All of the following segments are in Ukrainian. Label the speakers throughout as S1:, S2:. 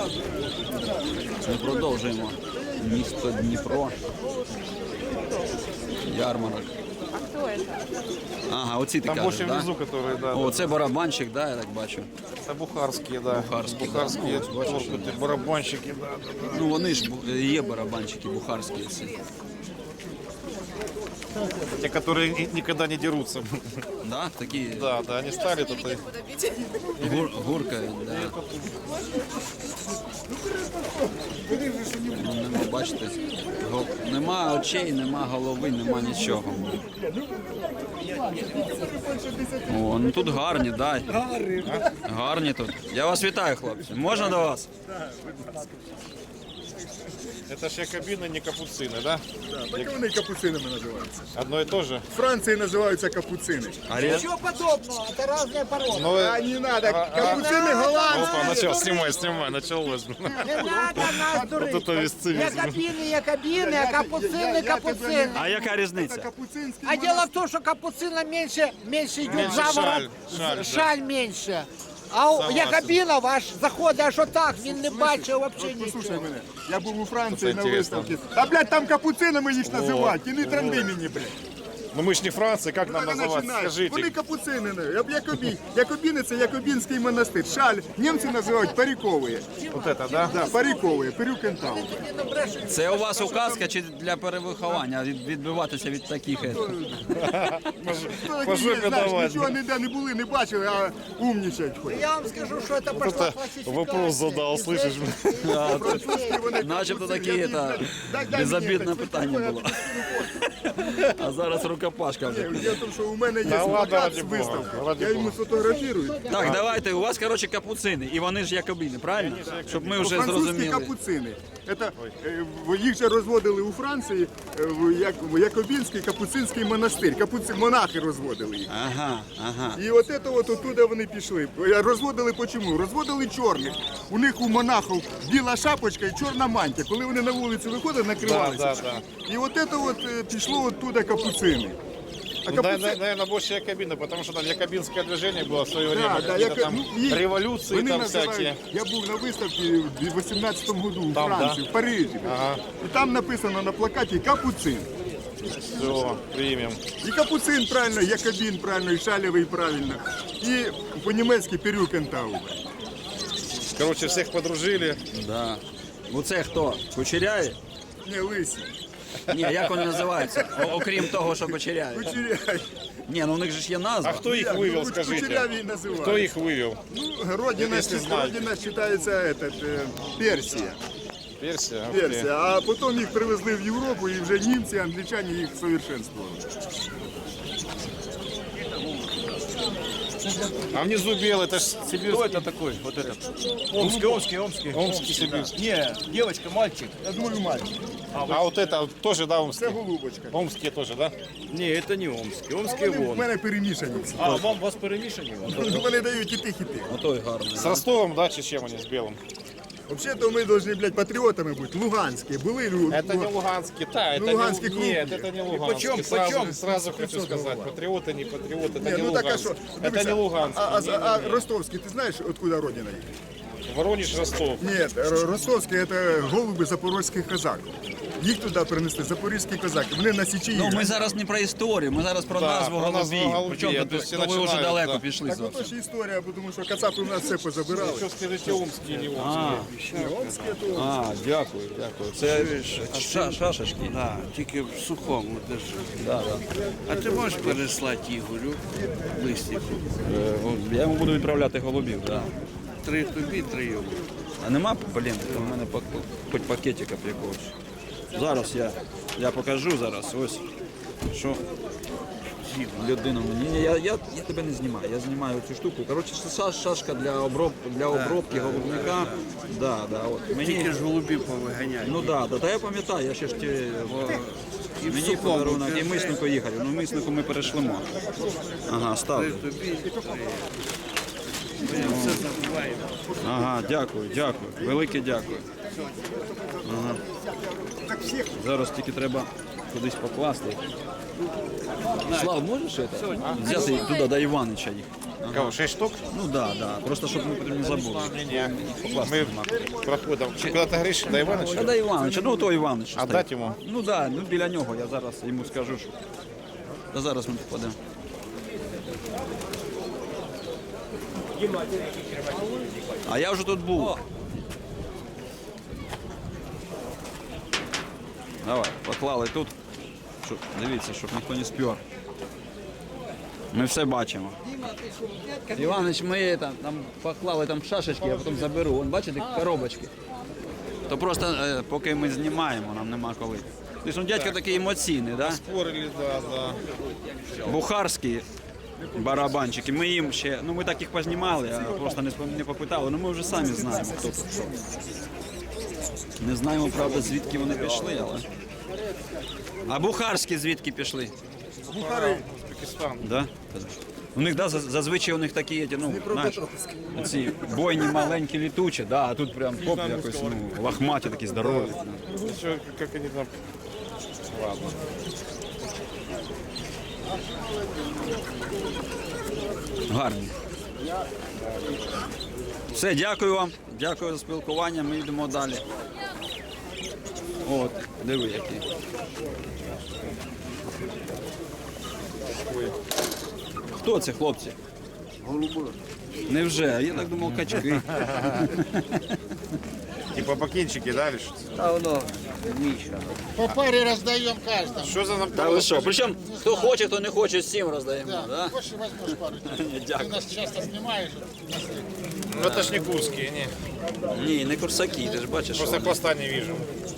S1: Ми продовжуємо. Місто Дніпро. Ярмарок.
S2: А кто это?
S1: Ага, оці ти
S3: Там
S1: кажеш,
S3: больше
S1: да?
S3: внизу, которые, да.
S1: О, це барабанщик, да, я так бачу.
S3: Это бухарские, да.
S1: Бухарские,
S3: Бухарские,
S1: да. Ну, бачиш,
S3: торкуты, барабанщики, да.
S1: Ну вони ж є барабанщики бухарські ці.
S3: Те, которые никогда не дерутся.
S1: Да, такі
S3: Да, да, они стали тут.
S1: гуркають, да. Ну, нема, бачите, нема очей, нема голови, нема нічого. О, ну тут гарні, да. Гарні тут. Я вас вітаю, хлопці. Можна до вас?
S3: Это же якобины, не капуцины, да?
S4: Так вони капуцинами називаються.
S3: Одно и то же.
S4: В Франції називаються капуцини.
S5: Ничего подобного, это разные породы.
S3: Но...
S4: А не надо, капуцини голландські.
S3: Опа, начал, снимай, началось.
S5: Не надо нас дурить.
S3: Вот это весцивизм.
S5: Якобины, а капуцины, капуцины.
S1: А яка різниця?
S4: Капуцинський
S5: А дело в том, что капуцина меньше идет
S3: Меньше
S5: заворот,
S3: шаль,
S5: шаль меньше. А у якобинов аж заходить аж отак, він не бачив взагалі
S4: Послухай
S5: нічого.
S4: мене, я був у Франції на
S3: інтересно.
S4: виставці. Та, блядь, там капуцинами їх називають. І не транди мені, блядь.
S3: Ну мы ж не Франция, как нам
S4: Так і
S3: называть?
S4: починають. Вони
S3: Скажите.
S4: капуцини. Якобіни – це якобінський монастир. Шаль німці називають парікові.
S3: Вот это, да?
S4: Да, парікові, перюкентау.
S1: Це у вас указка чи для перевиховання відбиватися від таких?
S3: По жопе давать.
S4: Нічого ніде не були, не бачили, а умнічають ходять.
S5: Я вам скажу, что это пошла
S3: Это
S5: классификация.
S3: вопрос задал, слышишь?
S4: Французькі вони
S1: Начебто
S4: капуцини.
S1: таке
S4: Дай
S1: безобідне
S4: мені,
S1: питання було. А зараз рукопашка вже.
S4: Діло в тому, що у мене є
S3: Та ладно,
S4: плакат
S3: ради
S4: з
S3: Бога,
S4: виставки.
S3: ради
S4: Я йому
S3: Бога.
S4: сфотографірую.
S1: Так, давайте, у вас, коротше, капуцини, і вони ж якобіни, правильно? Щоб ми вже
S4: Французькі
S1: зрозуміли.
S4: капуцини. Їх же розводили у Франції в Якобінський капуцинський монастир. Монахи розводили їх.
S1: Ага, ага.
S4: І от це от оттуда вони пішли. Розводили чому? Розводили чорних. У них у монахів біла шапочка і чорна мантія. Коли вони на вулицю виходять, накривалися.
S3: Да.
S4: І от це от пішло оттуда капуцини. А
S3: Ну,
S4: капуцини...
S3: наверное, больше якобины, потому что там якобинское движение было в свое время,
S4: Да,
S3: какие-то там
S4: їх-
S3: революции
S4: вони
S3: там
S4: називають-
S3: всякие.
S4: Я був на виставці в 18-му году у
S3: Там,
S4: Франції,
S3: да?
S4: в Парижі.
S3: Ага.
S4: І там написано на плакаті капуцин.
S3: Все, примем.
S4: І капуцин правильно, якобін правильно, і шалєвий правильно. І по-німецьки перюкентау.
S3: Короче, всех подружили.
S1: Да. Оце хто? Кучеряві?
S4: Не, лисі.
S1: Ні, як вони називаються? Окрім того, що кучеряві.
S4: Кучеряві.
S1: Ні, ну у них же ж є назва.
S3: А кто их вывел, скажите?
S4: Кучеряві називають.
S3: Кто их вывел?
S4: Ну, родина,
S3: Если знаете.
S4: родина считается Персія.
S3: Персия? Ух ты.
S4: Персія. А потім їх привезли в Європу, і вже німці, англічані їх совершенствували.
S3: А внизу белый, это ж сибирский.
S6: Кто это такой? Вот этот. Омский.
S3: Омский сибирский.
S6: Не, девочка, мальчик.
S4: Я думаю, мальчик.
S3: А вот это тоже, да,
S4: Це
S3: омский?
S4: голубочка.
S3: Омские тоже, да?
S6: Не, это не омский. Омский
S4: Вони в
S6: вон.
S4: мене перемішані всі.
S6: А, вам вас перемешали?
S4: Вони дають і тих, і тих.
S1: Отой гарний.
S3: С Ростовом, да, чи с чем они, с белым?
S4: Взагалі-то ми повинні, блядь, патріотами бути. Луганські. Були
S3: Это не луганский, да, это
S4: Луганский
S3: не,
S4: клуб.
S3: нет, это не луганский.
S6: почем?
S3: Сразу хочу сказать, патриоты, не патриоты, это
S4: Ні,
S3: не
S4: ну так а
S3: луганский.
S4: що?
S3: Это не луганский.
S4: А ростовський, ти знаєш, откуда родина їх?
S3: Воронеж, Ростов.
S4: Ні, ростовський – це голуби запорозьких козаків. Їх туди принесли, запорізькі козаки. Вони на Січі
S1: Ну, ми
S4: їх.
S1: зараз не про історію, ми зараз про
S3: Да,
S1: назву
S3: про назву
S1: голубів.
S3: голубів.
S1: Причому
S3: То есть
S1: тут, ви вже
S3: починають,
S1: далеко
S3: да.
S1: пішли
S4: Так
S1: зовсім.
S4: ото ж історія, тому що кацапи в нас все позабирали.
S3: Что скажите, омские, не омские?
S4: Омське то
S1: А, дякую. Це шашечки.
S7: Да, тільки в сухому держи.
S1: Да, да.
S7: А ти можеш переслати Ігорю листику?
S1: Я йому буду відправляти голубів, так.
S7: 3 тобі, 3 йому.
S1: А нема, блін, у мене хоч пакетика якогось. Зараз я покажу зараз, ось, що людина мені. Ні, я тебе не знімаю, я знімаю цю штуку. Коротше, це шашка для обробки голубника. Да, от.
S7: Тільки ж голубів повиганяють.
S1: Ну да, та я пам'ятаю, я ще ж мені подарунок і миснику Ігорю. Ну миснику ми перешлемо. Ага, став.
S7: 3 тобі, 3 Ми все забуваємо.
S1: Ага, дякую. Велике дякую. Ага. Зараз тільки треба кудись покласти. Слав, можеш це? Взяти туди до Іванича їх?
S3: Кого, 6 штук?
S1: Ну да, да. Просто щоб ми потім не забули.
S3: Не-не.
S1: Покласти
S3: Мы
S1: нема.
S3: проходим. Куда ты говоришь? До Ивановича?
S1: Та дай Івановича, ну то Іванович.
S3: А дать ему?
S1: Ну да, ну біля нього, я зараз йому скажу, що. Та зараз ми попадемо. А я вже тут був. Давай, поклали тут. Щоб, дивіться, щоб ніхто не спер. Ми все бачимо. Іванович, ми там поклали там шашечки, я потім заберу. Вон, бачите, коробочки. То просто поки ми знімаємо, нам нема коли. Ти ж ну, дядько такий емоційний, да?
S3: Спорили, да, да.
S1: Бухарські барабанчики. Ми їм ще, ну ми так їх познімали, а просто не попитали. Ну ми вже самі знаємо, хто тут що. Не знаємо, правда, звідки вони пішли, але. А бухарські звідки пішли?
S3: Узбекистан.
S1: Да? У них да, зазвичай у них такі, ну, знаєш, ці бойні маленькі літучі, да, а тут прям хоп, якось ну, лохматі такі здорові.
S3: Еще как они там... Ладно.
S1: Гарні. Все, дякую вам. Дякую за спілкування. Ми йдемо далі. От, диви які. Хто це, хлопці? Голуби. Невже? Я так думав, качки.
S3: Типа бакинчики, да, или что?
S5: А воно Міша.
S2: По паре раздаем каждому.
S3: Что за нам...
S1: Та ви що? Причому, хто хоче, хто не хоче, всім роздаємо.
S2: Да.
S1: Да?
S2: Хочешь, возьмешь пару. Ты
S1: Дякую.
S2: нас часто снимаешь.
S3: Ну это ж не курские, не.
S1: Ні, не курсаки, ти ж бачиш.
S3: Просто
S1: що вони.
S3: хвоста не вижу.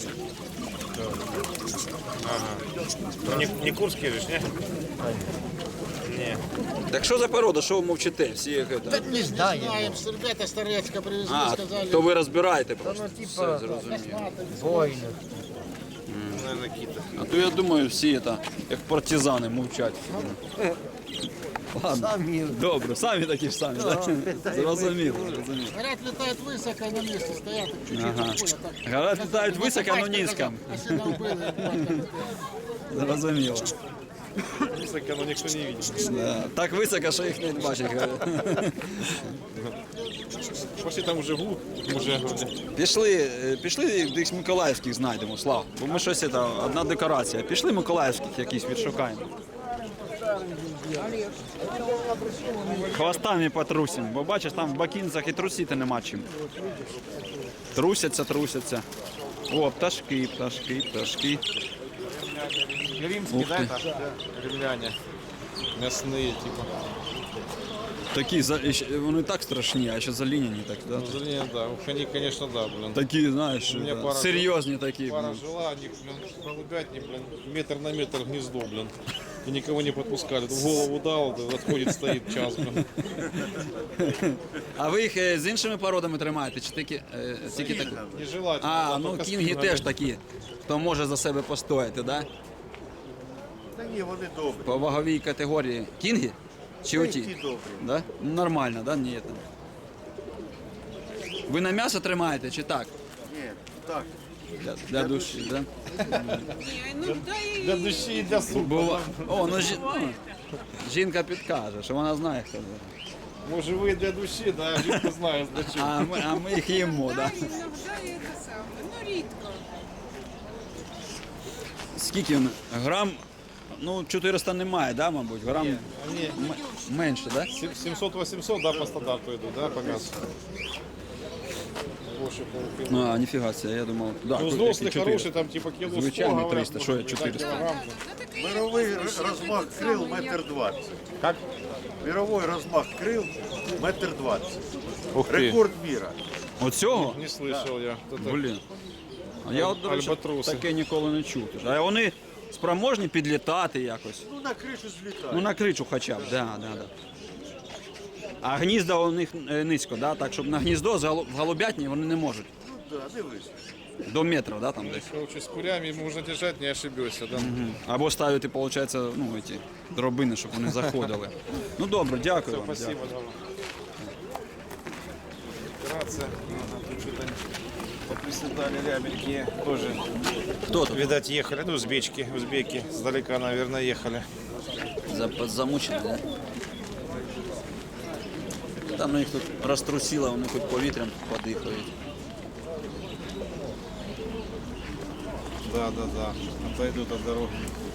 S3: Ага. Ну, не курские же, ж, не? Не.
S1: Так що за порода, що ви мовчите? Всі як це?
S2: Не знаем. Ребята с Торецка привезли,
S1: А,
S2: сказали.
S1: то ви розбираєте просто.
S5: Ну,
S1: Все,
S5: типа,
S1: зрозуміло.
S5: Бойно.
S3: Наверное, какие-то.
S1: А то я думаю, всі це, як партизани мовчать. Ладно,
S5: Самі.
S1: добре, самі такі ж самі, так? Зрозуміло, зрозуміло.
S2: Говорят, летают высоко, на месте стоят. Чуть-чуть
S1: Ага.
S2: уходят, так.
S1: Говорят, летають високо, но
S2: Батько
S1: низько.
S2: сказал, если нам было,
S1: Зрозуміло.
S3: Высоко, но никто не видит.
S1: Да. Так високо, що їх не бачать. говорять.
S3: Пошли там уже гуд, уже вроде.
S1: Пішли десь миколаївських знайдемо, Слав. Бо ми щось, це, одна декорація. Пішли миколаївських якісь відшукаємо. Хвостами потрусимо, бо бачиш, там в бакінцях і трусити нема чим. Трусяться. О, пташки.
S3: Римские,
S1: Ух
S3: да,
S1: ты.
S3: это? Римляне. Мясные, типа.
S1: Такі, вони так страшні, а ще заліняні так, да?
S3: Ну, зеленые, да. Уж они, конечно, да, блин.
S1: Такі, знаєш,
S3: мене
S1: да,
S3: пара-
S1: серйозні такі.
S3: Пара жила, они, блин, голубятни, блин, метр на метр гнездо, блин. И никого не подпускали. В голову дал, да, отходит, стоит час, блин.
S1: А ви їх з іншими породами тримаєте, чи тільки такі?
S3: Нежелательно.
S1: А,
S3: да,
S1: ну
S3: только
S1: кінги
S3: спина,
S1: теж
S3: блин.
S1: такі, хто може за себе постояти, да?
S4: Та ні, вони добрі.
S1: По ваговій категорії. Кінги? Чи оті?
S4: Ті добрі.
S1: Да? Ну, нормально, да? Ні. Там. Ви на м'ясо тримаєте чи так?
S4: Ні, так.
S1: Для душі, да?
S3: Для души и для супа.
S1: Бува... О, ну, жінка підкаже, що вона знає, хто це.
S3: Может, вы для души, да, жидко знаю, для чего.
S1: А ми їх їмо, да?
S8: Іноді це саме, ну рідко.
S1: Скільки він? Грам, ну 400 немає, да, мабуть? Грам
S3: Они
S1: менше, да?
S3: 700-800, да, по стандарту идут, да, по мясу. Больше полкило.
S1: А, ніфіга себе, я думав, да,
S3: Ну,
S1: які
S3: взрослый
S1: 400.
S3: хороший, там типа кило 100,
S1: Звичайний
S3: говорят,
S1: 300, що я
S3: может быть,
S1: 400?
S3: да, килограмм.
S4: Мировий розмах крил 1,20 м.
S3: Как?
S4: Мировий розмах крил 1,20 м.
S3: Ух ты,
S4: Рекорд міра.
S1: Оцього?
S3: не слышал я. Это-
S1: Блін. А я от, до речі,
S3: Альбатроси.
S1: таке ніколи не чув. А вони спроможні підлітати якось.
S4: Ну на кришу злітає.
S1: Ну на кричу хоча б, да. А гнізда у них низько, да? Так, щоб на гніздо в голубятні вони не можуть.
S4: Ну да, дивись.
S1: До метра, да, там десь.
S3: Короче, с курями можно держать, не ошибешься, да.
S1: Або ставити, виходить, ну, ці дробини, щоб вони заходили. Ну добре, дякую вам.
S3: Спасибо, да. Операция. Тут что-то поприседали рябенькие тоже.
S1: Хто тут?
S3: Видать, ехали, ну, узбеки, сдалека, наверное, ехали.
S1: Замучений, да? Там їх тут розтрусило, вони хоч повітрям подихають.
S3: Да. Отойдут от дороги.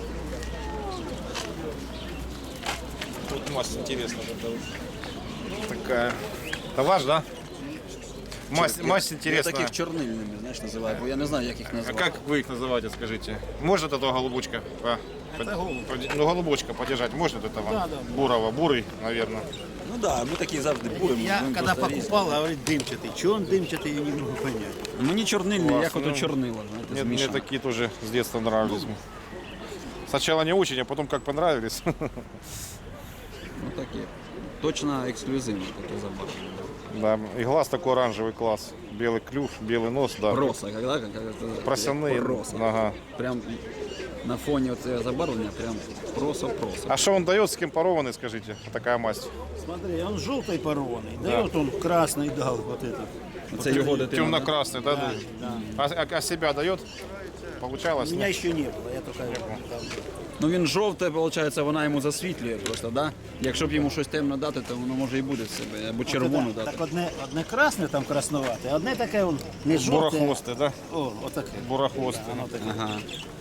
S3: Тут масть интересная. Это вот такая. Это ваш, да? Масть
S1: Я
S3: интересная.
S1: таких чорнильними, знаєш, називаю, бо я не знаю, як їх
S3: А
S1: назвати.
S3: как вы их называете, скажите? Может этого голубочка? Ну, голубочка подержать можно вот этого? Да. Бурого, бурый, наверное.
S1: Ну так, да, ми такі завжди буримо.
S7: Я
S1: будемо
S7: когда
S1: просто різні.
S7: покупал, говорит, дымчатый. Чего он дымчатый, я не могу понять.
S1: Мені чорнильний,
S3: Клас,
S1: як ото
S3: ну,
S1: чорнило, знаєте,
S3: Мне
S1: змішано.
S3: такие тоже с детства нравились. Сначала не очень, а потом как понравились.
S1: Ну такі. Точно ексклюзивні такі забарвлення.
S3: Да, и глаз такой оранжевый класс. Белый клюв, белый нос, да.
S1: Проса, когда это
S3: Просяные.
S1: проса.
S3: Ага.
S1: Прям на фоне вот этого забарвления прям проса.
S3: А что он дает, с кем порованный, скажите, такая масть?
S7: Смотри, он желтый порванный. Дает он красный, дал вот этот.
S1: Це його дитина. да?
S3: Темно-красный, да?
S7: Да.
S3: А себя дает? Получалось?
S7: Меня еще не было, я только...
S1: Ну він жовте, виходить, вона йому засвітлює просто, да? Якщо б йому щось темно дати, то воно може і буде в себе, або червону дати.
S7: Так одне красне там красновате, а одне таке он не жовте.
S3: Бурохвостый, да?
S7: О, отаке.
S3: Бурохвостый.
S7: Воно таке.
S1: Ага.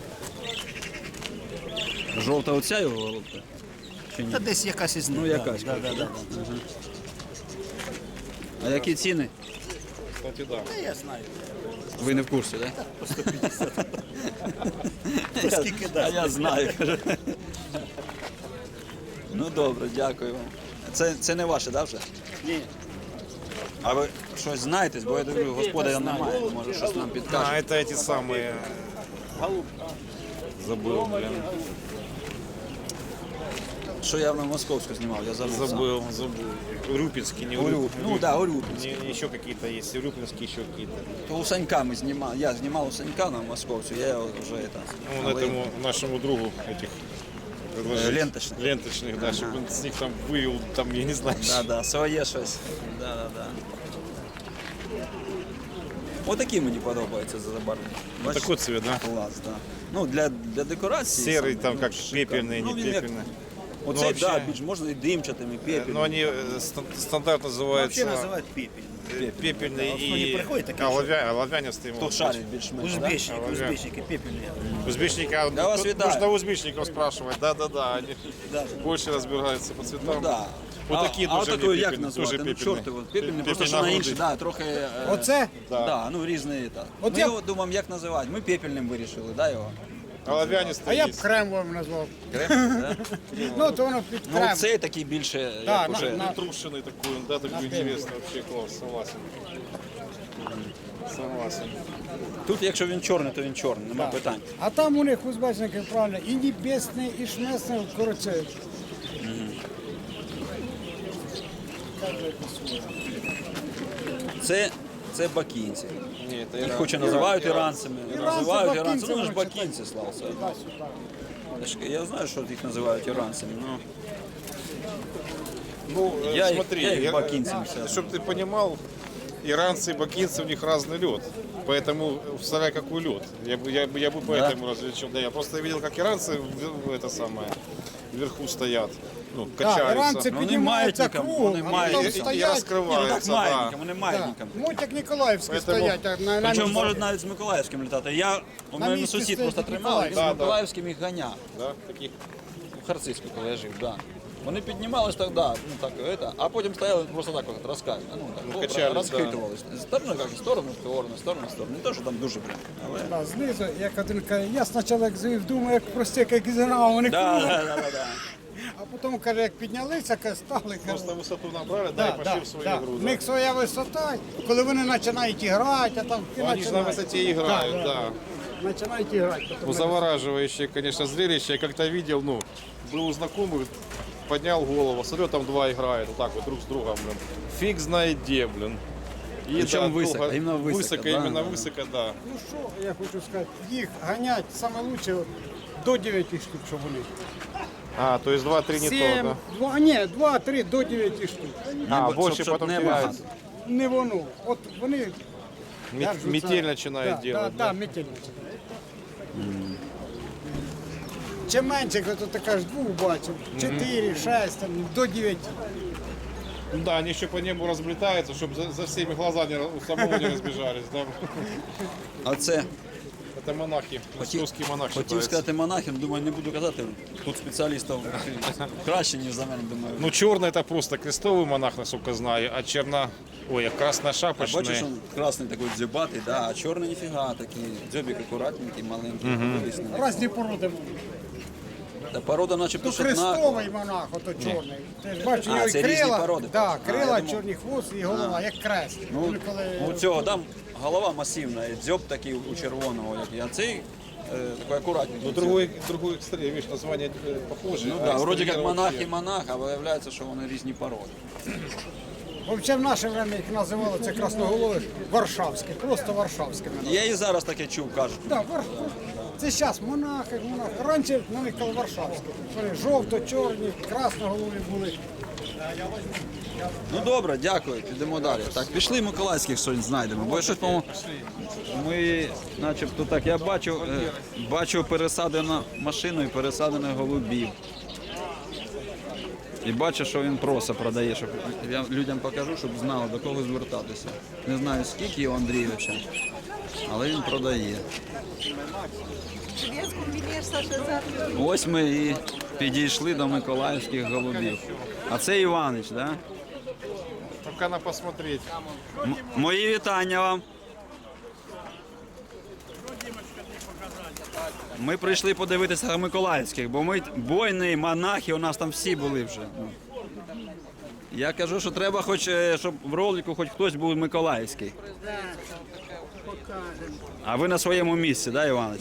S1: Жовта оця його голубка? Чи ні?
S7: Та десь якась із них.
S1: Ну, якась,
S7: Да, да, да.
S1: А які ціни?
S3: Кстати, да.
S7: Та я знаю.
S1: Ви не в курсі, так?
S7: По 150. Скільки
S1: А
S7: дасть?
S1: я знаю, каже. Ну добре, дякую вам. Це не ваше, так, вже?
S7: Ні.
S1: А ви щось знаєте, бо я дивлю, господаря немає, може щось нам
S3: А,
S1: підкаже.
S3: это эти самые... Забыл, блин.
S1: Що я на Московську знімав, я забув. сам.
S3: Забыл. Урюпинский, не Урюпинский.
S1: Ну так, Урюпінський.
S3: Еще какие-то есть, Урюпинские еще какие-то.
S1: То у Санька ми знімали, я знімав у Санька на Московцю, я його вже
S3: Ну, этому нашему другу этих предложить.
S1: ленточних.
S3: Ленточных, да, чтобы он с них там вывел, там, я не знаю.
S1: Да, своє щось. Да. Отакі мені подобаються за забарвлення. Бачиш?
S3: Такой цвет, да?
S1: Клас, так. Ну, для декорації.
S3: Серый,
S1: саме,
S3: там
S1: ну,
S3: как
S1: шикарно.
S3: пепельный,
S1: Ну,
S3: не
S1: він як-
S3: пепельный.
S1: Оцей,
S3: вообще-
S1: да, більш можна і димчатим, і пепельним.
S3: Но они стандарт
S7: Вообще
S3: называется
S7: називають пепель.
S3: пепельный
S7: Вот они
S3: и
S7: приходят такие,
S3: оловянистый.
S1: Хто
S3: может
S1: шарить
S3: быть.
S1: більш-менш, да?
S7: Узбечники,
S3: А,
S7: узбечники, пепельные.
S3: Узбечника,
S1: Я вас
S3: тут
S1: вітаю.
S3: нужно узбечников спрашивать, да, они больше разбираются по цветам.
S1: Ну, да.
S3: Вот такие
S1: а
S3: тоже
S1: такої
S3: мне
S1: як
S3: пепельные,
S1: назвати?
S3: тоже
S1: Ну,
S3: пепельные.
S1: чорти, от, пепельний, просто що
S3: на
S1: на
S3: груди.
S1: інший, да, трохи...
S5: Оце?
S1: Да, ну різний, так.
S5: От
S1: Ми
S5: я-
S1: його думаємо, як називати. Ми пепельним вирішили, да, його?
S3: Оловянистый
S5: А я б
S3: есть.
S5: кремовим назвав.
S1: Крем, да?
S5: Ну, то воно під
S1: Ну,
S5: крем.
S1: цей такий більше,
S5: Да,
S1: як
S5: на-
S1: уже...
S5: на-
S3: Трушенный такой, да, такой интересный, вообще класс, согласен. Согласен.
S1: Тут, якщо він чорний, то він чорний, нема питань.
S5: А там у них узбечники, правильно, і небесний, і шмесний, коротше.
S1: Це бакінці.
S3: Ні, це
S1: Їх хоч і називають іранцями, називають іранцями, ну ж
S5: бакінці,
S1: бакінці, слався.
S5: Туди-сюди.
S1: Я знаю, що їх називають іранцями, ну...
S3: Ну,
S1: Я их-
S3: смотри,
S1: я их бакинцами связываю.
S3: чтобы ты понимал, иранцы и бакинцы, у них разный лед. Поэтому вставляй какой лед. Я бы поэтому различил. Да, я просто видел, как иранцы это самое вверху стоят, ну,
S5: Да,
S3: качаются.
S5: іранці
S1: Ну, вони
S5: піднімаються
S1: маятником,
S5: кругом,
S1: вони
S5: а
S1: маятником.
S5: потім
S3: И
S5: стоять.
S1: Ну так
S3: раскрываются, да.
S1: маятником, вони
S5: Да.
S1: маятником.
S5: Муть як Ніколаївські
S3: Поэтому-
S5: стоять, а на
S1: Причому
S5: місці.
S1: можуть навіть з Миколаївським літати. У мене
S5: місці
S1: сусід
S5: стоїть
S1: просто тримав, він з
S5: Миколаївський.
S3: Да, да.
S1: Миколаївським їх ганяв.
S3: Да, таких.
S1: В Харцизьку, коли я жив, да. Вони піднімались так, да, ну так, а потім стояли просто так от, розкачували, ну так,
S3: качались,
S1: розхитувались. З сторони, як, в сторону, в сторону. Не то, що там дуже прям, але...
S5: Да, знизу, як один каже, я спочатку як звів, думаю, як простяк, як зіграв, вони
S1: Да,
S5: кругом.
S1: да.
S5: А потім, каже, як піднялися, каже, стали, каже,
S3: Просто высоту набрали, да, и пошли в свою игру.
S5: В
S3: Да.
S5: них своя висота, коли вони починають грати, а там
S3: Ну, они же на высоте играют, да.
S5: Починають грати.
S3: Ну, завораживающее, конечно, зрелище. Я как-то видел, ну, был у знакомых, поднял голову, смотрю, там два играют, вот так вот друг с другом, блин. Фиг знает где, блин. И
S1: Причем высоко,
S3: долго-
S1: именно высоко, да,
S3: именно
S1: да.
S3: высоко, да.
S5: Ну що, я хочу сказати, їх ганять саме лучше до 9 штук, щоб вони.
S3: А, то есть 2-3 не то, да?
S5: 2, ні, 2-3 до 9 штук.
S3: А,
S1: Щоб-
S3: больше
S1: щоб
S3: потом
S1: не
S3: теряется.
S5: Не воно. От вони держаться.
S3: Метель начинает делать,
S5: да,
S3: да?
S5: метель починає. Чим менше, то ти кажеш, двох бачив, 4, 6, там, до 9.
S3: Да, они еще по небу разлетаются, чтобы за всеми глаза у самого не разбежались. Да?
S1: А це
S3: Это монахи, московские монахи.
S1: хотів
S3: считаются.
S1: сказати монахам, думаю, не буду казати. Тут спеціалістів краще, ніж за мене, думаю.
S3: Ну, черный это просто крестовый монах, насколько знаю, а ой, а красная шапочная.
S1: Бачиш, він красний такий дзюбатий, да, а чорний ніфіга, такий дзьобик акуратненький, маленький.
S5: Різні породи.
S1: Та порода начебто
S5: Ну,
S1: ж одна.
S5: хрестовий монах, ото чорний. Ти ж бачиш, у
S1: А,
S5: нього і
S1: це різні
S5: крила,
S1: породи.
S5: да,
S1: А,
S5: крила,
S1: я думав.
S5: чорний хвост і голова, як крест.
S1: Ну,
S5: Вони коли-
S1: у цього там голова масивна, і дзьоб такий у червоного, а цей такий акуратненький.
S3: Ну, другой экстрем, видишь, название похоже.
S1: Ну
S3: а
S1: да, вроді як
S3: экстерьер
S1: монах
S3: вообще.
S1: і монах, а виявляється, що вони різні породи.
S5: Взагалі в наше время їх називали, це красноголові, варшавські, просто варшавські.
S1: Я і зараз таке чув, кажуть.
S5: Да, це зараз монахи. Раніше на них казали варшавські. Вони жовто-чорні, красноголові були.
S1: Ну добре, дякую, підемо далі. Так, пішли Миколаївських щось знайдемо, бо щось, по-моєму, ми начебто так, я бачу пересадену машину і пересадених голубів. І бачу, що він просто продає, щоб я людям покажу, щоб знали, до кого звертатися. Не знаю, скільки у Андрійовича, але він продає. Ось ми і підійшли до Миколаївських голубів. А це Іванич, так? Да?
S3: Только надо посмотреть.
S1: Мої вітання вам. Ми прийшли подивитися Миколаївських, бо ми бойні, монахи, у нас там всі були вже. Я кажу, що треба, хоч, щоб в ролику хоч хтось був Миколаївський. А ви на своєму місці, так, да, Іванович?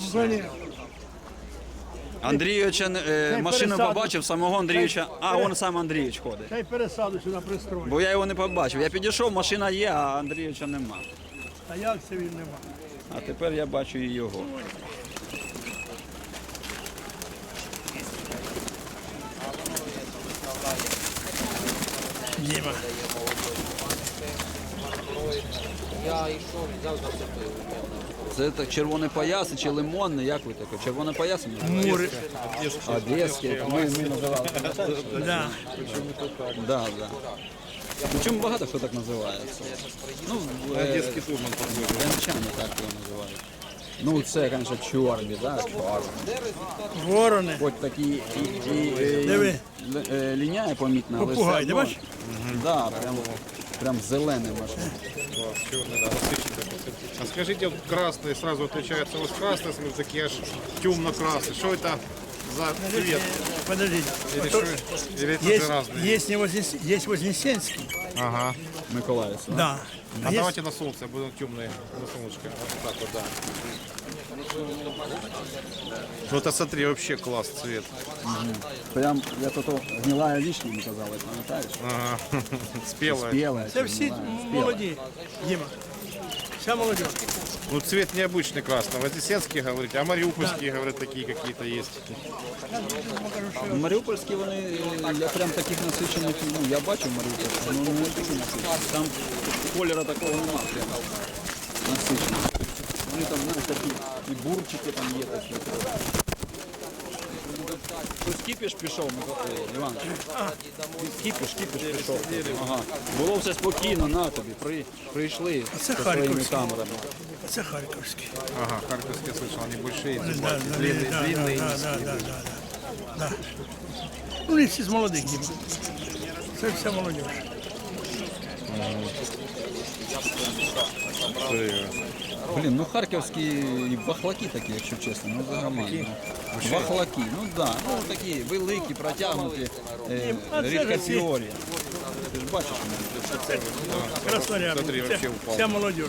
S1: Андрійовича, машину побачив, самого Андрійовича, а он сам Андрійович ходить.
S9: Та й пересаду сюди пристрою.
S1: Бо я його не побачив. Я підійшов, машина є, а Андрійовича нема.
S9: А як це він нема?
S1: А тепер я бачу і його.
S9: Діма.
S1: Це так червоний пояс чи лимонний, як ви таке? Червоний пояс?
S9: Мури.
S1: Одеський, ми називали.
S9: Да.
S1: Да, да. Причому багато хто так називається. Ну,
S3: Одесский турман.
S1: дончани так його називають. Ну, це, звісно, чорні, да? Чорні.
S9: Ворони.
S1: Хоч такі
S9: Диви.
S1: ліняє помітно, але
S9: Попугай,
S1: все
S9: ти
S1: одно.
S9: бачиш?
S1: Да, прям зелений машина.
S3: Черный, да, насыщенный такой. А скажите, вот красный сразу отличается от красный, смотрю, такие аж темно-красный. Что это за цвет?
S9: Подождите.
S3: Или, что, или это же разные?
S9: Есть Вознесенский.
S3: Ага.
S1: Миколаївський.
S9: Да.
S3: А давайте на солнце, будем темные на солнышко. Вот так вот, да. Ну это смотри, вообще класс цвет.
S1: Прям, я тут гнилая вишня, не казали, пам'ятаєш?
S3: Ага. Спелая.
S1: Спіла.
S9: Це всі молоді. Діма. Вся молодежь.
S3: Ну цвет необычный красный. Вознесенские говорите, а мариупольские, говорят, такие какие-то есть.
S1: Маріупольські вони, я прям таких насичених, ну я бачив Маріупольські, але не такі насичені. Там кольору такого нема прям насиченого. Вони там, знаєш, такі і бурчики там є такі. Щось кіпіш пішов, Іван? Кіпіш пішов. Ага. Було все спокійно, на тобі, прийшли
S9: Це
S1: зі своїми
S9: Харківський.
S1: камерами.
S9: Це Харківський.
S3: Ага, харьковские слышал, они большие,
S9: Да,
S3: длинные,
S9: да,
S3: длинные.
S9: да. Ну, не всі з молодих, Діма. Це вся молодежь.
S1: Блін, ну харківські і бахлаки такі, якщо чесно, ну взагалі. Ну, бахлаки, ну да, ну такі великі, протягнуті, рідкофіорі. Ти ж бачиш, що це
S9: Красноряб.
S3: Смотри, вообще упал.
S9: Вся молодежь.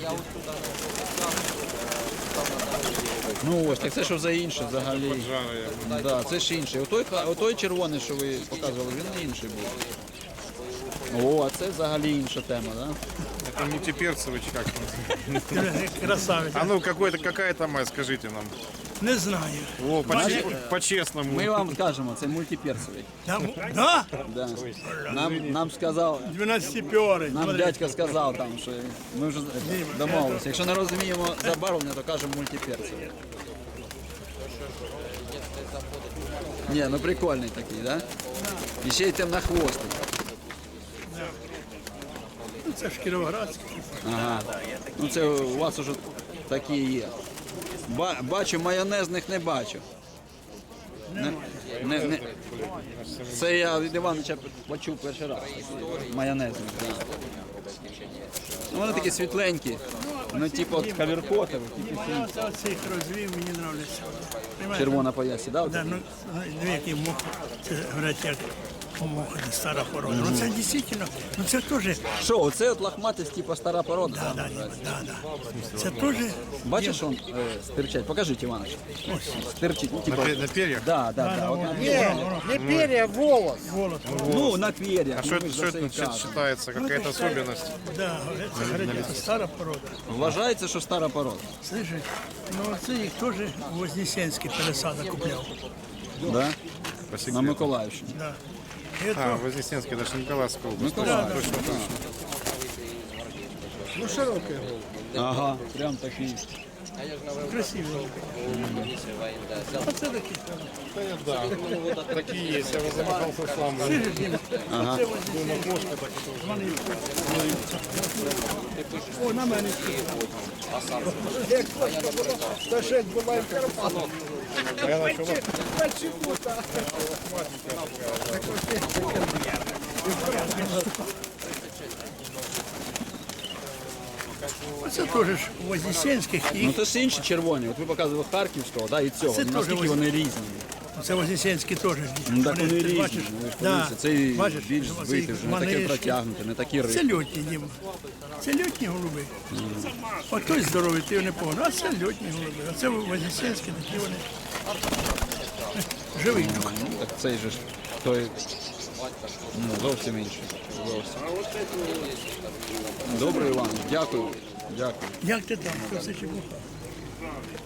S1: ну ось, так це що за інше взагалі.
S3: Жарые.
S1: Да, це ж інше. Отой червоний, що ви показували, він інший був. О, а це взагалі інша тема, да?
S3: Это мультиперцевый, как
S9: Красавець.
S3: А ну, какая-то мать, скажите нам.
S9: Не знаю.
S3: О, по-честному.
S1: Ми вам скажемо, це мультиперсовий.
S9: Да?
S1: Да. Нам сказав,
S9: 12-пьори.
S1: нам дядька сказав там, що ми вже домовилися. Якщо не розуміємо забарвлення, то кажемо мультиперсовий. Ні, ну прикольний такий, да? І ще й темнохвостий.
S9: це ж Кіровоградський.
S1: Ага. Ну це у вас уже такі є. Бачу, майонезних не бачу. Не. Це я від Івановича почув перший раз. Майонезник. Да. Ну, вони такі світленькі. Ну, типу от кавіркотові, тільки
S9: Я цих розвів, мені подобається.
S1: червона поясі, да?
S9: Да, ну, дві які мух, це говорять, як муха, стара порода. Ну це дійсно, ну це теж,
S1: Що, оце от лохматість, типу стара порода?
S9: да. Це теж,
S1: Бачиш, он стирчать? Покажіть, Іванович. Стирчить, ну, типу...
S3: На перьях?
S1: Да. От на-
S5: Не перья, волос.
S1: Ну, на перьях.
S3: А что это, считается, какая-то особенность?
S9: да, це говорять, це стара порода.
S1: Вважається, що стара порода.
S9: Слышиш, ну це їх теж Вознесенський пересадок купляв.
S1: Да? На Миколаївщині.
S9: Да. І
S3: А,
S9: це,
S3: Вознесенский, даже Николаевская область.
S1: Миколаївщина.
S5: Ну, широкий.
S1: Ага, прям такий.
S9: красиві. А це такі.
S3: Такие есть, я вот замахался сам.
S1: Ага.
S5: О, на мене. Як сташек була в Карпатах.
S9: Це теж ж Вознесенських
S1: Ну
S9: і
S1: це ж інші червоні. От ви показували Харківського, да, і цього.
S9: Це теж
S1: Наскільки вони різні?
S9: це Вознесенські теж.
S1: Ну так вони
S9: ти
S1: різні.
S9: бачиш?
S1: Ви ж
S9: Да.
S1: подивіться, цей
S9: Бачиш,
S1: більш
S9: оцей
S1: збитий, вже не такий
S9: манишки.
S1: протягнутий, не такий
S9: Це
S1: риб.
S9: льотні, Діма. Це льотні голуби. От той здоровий, ти його не погнав, а це льотні голуби. А це Вознесенські, такі вони. Живий.
S1: Ну, так цей же ж той зовсім інший. Зовсім. Добре, Іван, дякую. Дякую.
S9: Як ти там? Що це чепуха?